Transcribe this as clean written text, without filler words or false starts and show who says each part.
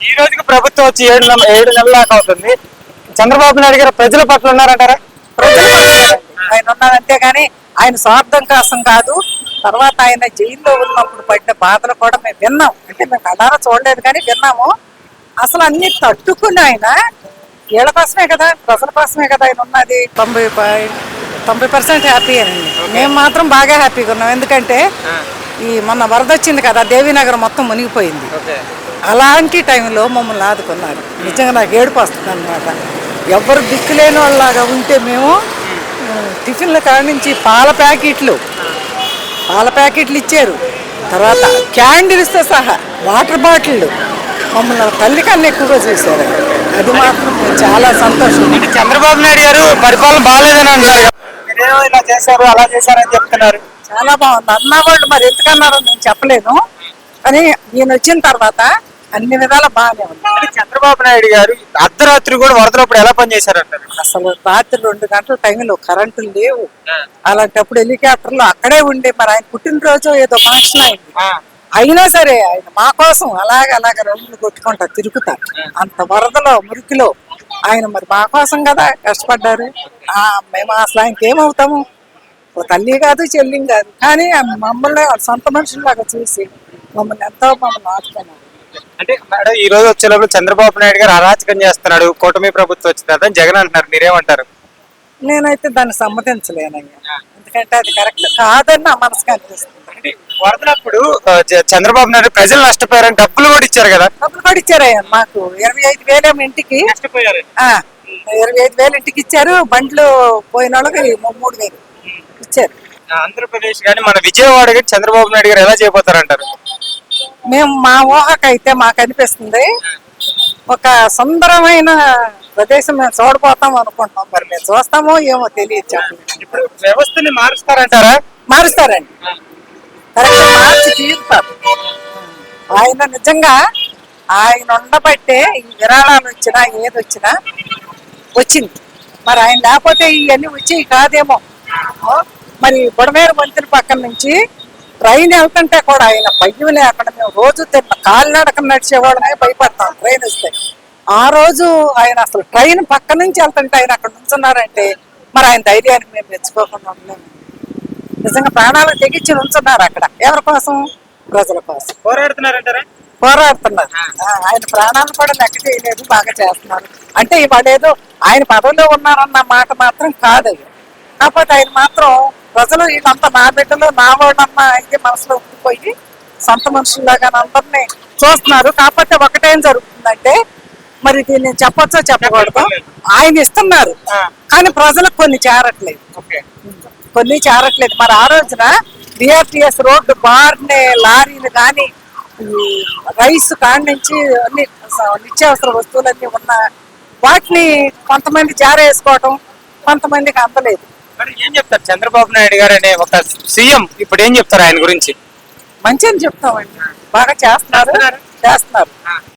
Speaker 1: ఈ రోజుకి ప్రభుత్వం వచ్చి 7 నెలల దాకా అవుతుంది. చంద్రబాబు నాయుడు గారు ప్రజల పట్ల ఉన్నారంటారా?
Speaker 2: ప్రజల ఆయన ఉన్నారు అంతేగాని ఆయన స్వార్థం కోసం కాదు. తర్వాత ఆయన జైల్లో ఉన్నప్పుడు పడిన బాధలు కూడా మేము విన్నాం. అంటే మేము కళ్ళారా చూడలేదు కానీ విన్నాము. అసలు అన్ని తట్టుకుని ఆయన వీళ్ళ కోసమే కదా, ప్రజల కోసమే కదా ఆయన ఉన్నది. 90% హ్యాపీ అండి. మేము మాత్రం బాగా హ్యాపీగా ఉన్నాం. ఎందుకంటే ఈ మొన్న వరద వచ్చింది కదా, దేవీనగర్ మొత్తం మునిగిపోయింది. అలాంటి టైంలో మమ్మల్ని ఆదుకున్నారు. నిజంగా నాకు ఏడుపు వస్తుంది అనమాట. ఎవరు దిక్కులేని వాళ్ళలాగా ఉంటే మేము టిఫిన్ల కాడ నుంచి పాల ప్యాకెట్లు ఇచ్చారు. తర్వాత క్యాండిల్స్తో సహా వాటర్ బాటిళ్ళు మమ్మల్ని తల్లి కన్నా ఎక్కువగా చూశారు. అది మాత్రం చాలా సంతోషం.
Speaker 1: అంటే చంద్రబాబు నాయుడు గారు పరిపాలన బాగాలేదని అంటున్నారు. మీరేమో ఇలా చేశారు అలా చేశారని చెప్తున్నారు.
Speaker 2: చాలా బాగుంది అన్న వాళ్ళు. మరి ఎందుకన్నారో నేను చెప్పలేను, కానీ ఈయన వచ్చిన తర్వాత అన్ని విధాలా బాగానే ఉంది.
Speaker 1: చంద్రబాబు నాయుడు గారు అర్ధరాత్రి కూడా వరదలప్పుడు ఎలా పనిచేశారంటారు?
Speaker 2: అసలు రాత్రి 2 గంటల టైంలో కరెంటు లేవు. అలాంటప్పుడు హెలికాప్టర్లో అక్కడే ఉండే. మరి ఆయన పుట్టినరోజు ఏదో ఫంక్షన్ అయింది, అయినా సరే ఆయన మా కోసం అలాగ రౌండ్లు కొట్టుకుంటా తిరుగుతారు. అంత వరదలో మురికిలో ఆయన మరి మా కోసం కదా కష్టపడ్డారు. మేము అసలు ఆయనకేమవుతాము? ఓ తల్లి కాదు చెల్లి కాదు, కానీ మమ్మల్ని సొంత మనుషుల్లాగా చూసి మమ్మల్ని ఆదుకున్నారు.
Speaker 1: అంటే మేడం ఈ రోజు వచ్చేటప్పుడు చంద్రబాబు నాయుడు గారు అరాచకం చేస్తున్నాడు, కూటమి ప్రభుత్వం వచ్చిన తర్వాత జగన్ అంటున్నారు, మీరేమంటారు?
Speaker 2: నేనైతే దాన్ని సమ్మతించలేనయ్యా. ఎందుకంటే అది కరెక్ట్ కాదని నా మనసుకు అనిపిస్తుంది.
Speaker 1: వరదలప్పుడు చంద్రబాబు నాయుడు ప్రజలు నష్టపోయారని డబ్బులు కూడా ఇచ్చారు కదా.
Speaker 2: డబ్బులు కూడా ఇచ్చారయ్యా. మాకు 25,000 ఇంటికి 25,000 ఇంటికి ఇచ్చారు. బండ్లు పోయిన వాళ్ళకి 3,000 ఇచ్చారు.
Speaker 1: ఆంధ్రప్రదేశ్ కానీ మన విజయవాడ కానీ చంద్రబాబు నాయుడు గారు ఎలా చేయబోతారంటారు?
Speaker 2: మేము మా ఊహకైతే మాకు అనిపిస్తుంది ఒక సుందరమైన ప్రదేశం మేము చూడబోతాం అనుకుంటున్నాం. మరి మేము చూస్తామో ఏమో తెలియదు, చెప్పలేదు.
Speaker 1: ఇప్పుడు వ్యవస్థని మారుస్తారంటారా?
Speaker 2: మారుస్తారండి, కరెక్ట్ మార్చి తీరుతారు. ఆయన నిజంగా ఆయన ఉండబట్టే ఈ విరాళాలు వచ్చినా ఏది వచ్చినా వచ్చింది. మరి ఆయన లేకపోతే ఇవన్నీ వచ్చేవి కాదేమో. మరి బుడమేరు మంత్రి పక్కన నుంచి ట్రైన్ వెళ్తుంటే కూడా ఆయన భయం లేకుండా మేము రోజు కాలినడక నడిచేవాళ్ళమే భయపడతాం ట్రైన్ వస్తే. ఆ రోజు ఆయన అసలు ట్రైన్ పక్క నుంచి వెళ్తుంటే ఆయన అక్కడ నుంచున్నారంటే మరి ఆయన ధైర్యానికి మేము మెచ్చుకోకుండా ఉండలేము. నిజంగా ప్రాణాలకు తెగించి ఉంచున్నారు అక్కడ. ఎవరి కోసం? ప్రజల కోసం
Speaker 1: పోరాడుతున్నారంటారా?
Speaker 2: పోరాడుతున్నారు. ఆయన ప్రాణాలను కూడా లెక్క చేయలేదు, బాగా చేస్తున్నారు. అంటే ఇవాళ ఏదో ఆయన పదవిలో ఉన్నారన్న మాట మాత్రం కాదయ్య. కాకపోతే ఆయన మాత్రం ప్రజలు ఇదంతా నా బిడ్డలు నా వాళ్ళమ్మ అయితే మనసులో ఉండిపోయి సొంత మనుషుల్లాగా అందరినీ చూస్తున్నారు. కాకపోతే ఒకటేం జరుగుతుందంటే, మరి దీన్ని చెప్పొచ్చో చెప్పకూడదు, ఆయన ఇస్తున్నారు కానీ ప్రజలకు కొన్ని చేరట్లేదు. మరి ఆ రోజున బిఆర్టీఎస్ రోడ్డు బార్నే లారీలు కానీ రైస్ కాడి నుంచి అన్ని నిత్యావసర వస్తువులన్నీ ఉన్న వాటిని కొంతమంది జారేసుకోవటం, కొంతమందికి అందలేదు.
Speaker 1: మరి ఏం చెప్తారు చంద్రబాబు నాయుడు గారు అనే ఒక సీఎం ఇప్పుడు ఏం చెప్తారు ఆయన గురించి?
Speaker 2: మంచి అని చెప్తామండి, బాగా చేస్తున్నారు.